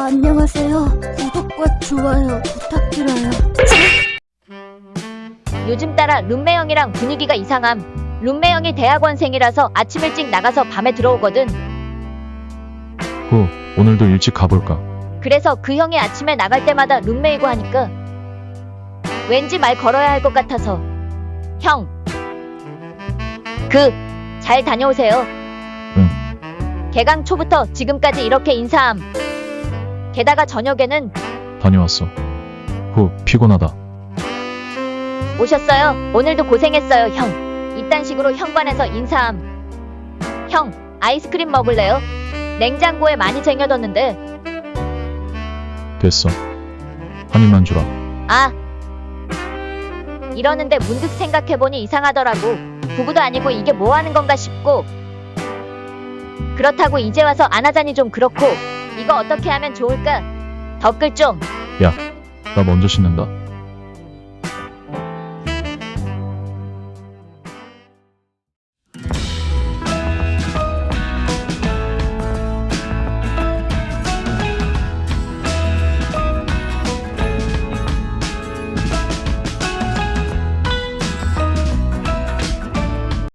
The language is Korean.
안녕하세요. 구독과 좋아요 부탁드려요. 요즘 따라 룸메 형이랑 분위기가 이상함. 룸메 형이 대학원생이라서 아침 일찍 나가서 밤에 들어오거든. 후, 오늘도 일찍 가볼까? 그래서 그 형이 아침에 나갈 때마다 룸메이고 하니까 왠지 말 걸어야 할 것 같아서. 형, 잘 다녀오세요. 응. 개강 초부터 지금까지 이렇게 인사함. 게다가 저녁에는 다녀왔어. 후, 피곤하다. 오셨어요? 오늘도 고생했어요, 형. 이딴 식으로 현관에서 인사함. 형, 아이스크림 먹을래요? 냉장고에 많이 쟁여뒀는데. 됐어. 한 입만 주라. 아, 이러는데 문득 생각해보니 이상하더라고. 부부도 아니고 이게 뭐 하는 건가 싶고. 그렇다고 이제 와서 안 하자니 좀 그렇고. 이거 어떻게 하면 좋을까? 댓글 좀. 야, 나 먼저 씻는다.